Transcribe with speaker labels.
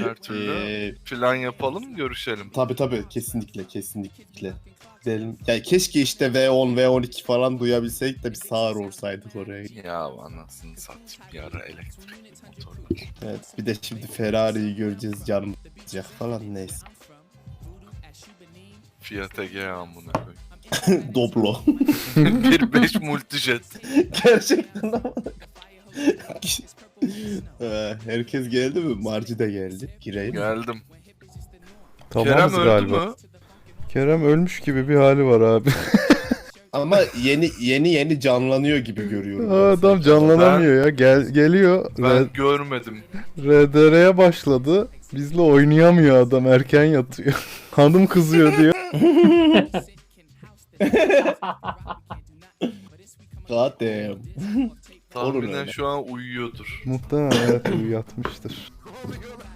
Speaker 1: Her türlü
Speaker 2: Ee,
Speaker 1: plan yapalım, görüşelim.
Speaker 2: tabii kesinlikle. Gidelim. Yani keşke işte V10, V12 falan duyabilsek de bir sağır olsaydık oraya.
Speaker 1: Ya anasını satayım, bir ara elektrikli motorlar.
Speaker 2: Evet, bir de şimdi Ferrari'yi göreceğiz, canım sıkacak falan, neyse.
Speaker 1: Fiat Egea amına koyayım.
Speaker 2: Doblo.
Speaker 1: 1.5 multijet.
Speaker 2: Gerçekten ama. Herkes geldi mi? Marci de geldi. Gireyim mi?
Speaker 1: Geldim.
Speaker 3: Tamamız
Speaker 1: Kerem öldü
Speaker 3: galiba.
Speaker 1: mü?
Speaker 3: Kerem ölmüş gibi bir hali var abi.
Speaker 2: Ama yeni canlanıyor gibi görüyorum. ben
Speaker 3: Adam
Speaker 2: sanki.
Speaker 3: canlanamıyor ya. Geliyor.
Speaker 1: Ben görmedim.
Speaker 3: RDR'ye başladı. Bizle oynayamıyor adam. Erken yatıyor. Hanım kızıyor diyor.
Speaker 2: God damn.
Speaker 1: Tahminen
Speaker 2: öyle.
Speaker 1: şu an uyuyordur.
Speaker 3: Muhtemelen evet yatmıştır.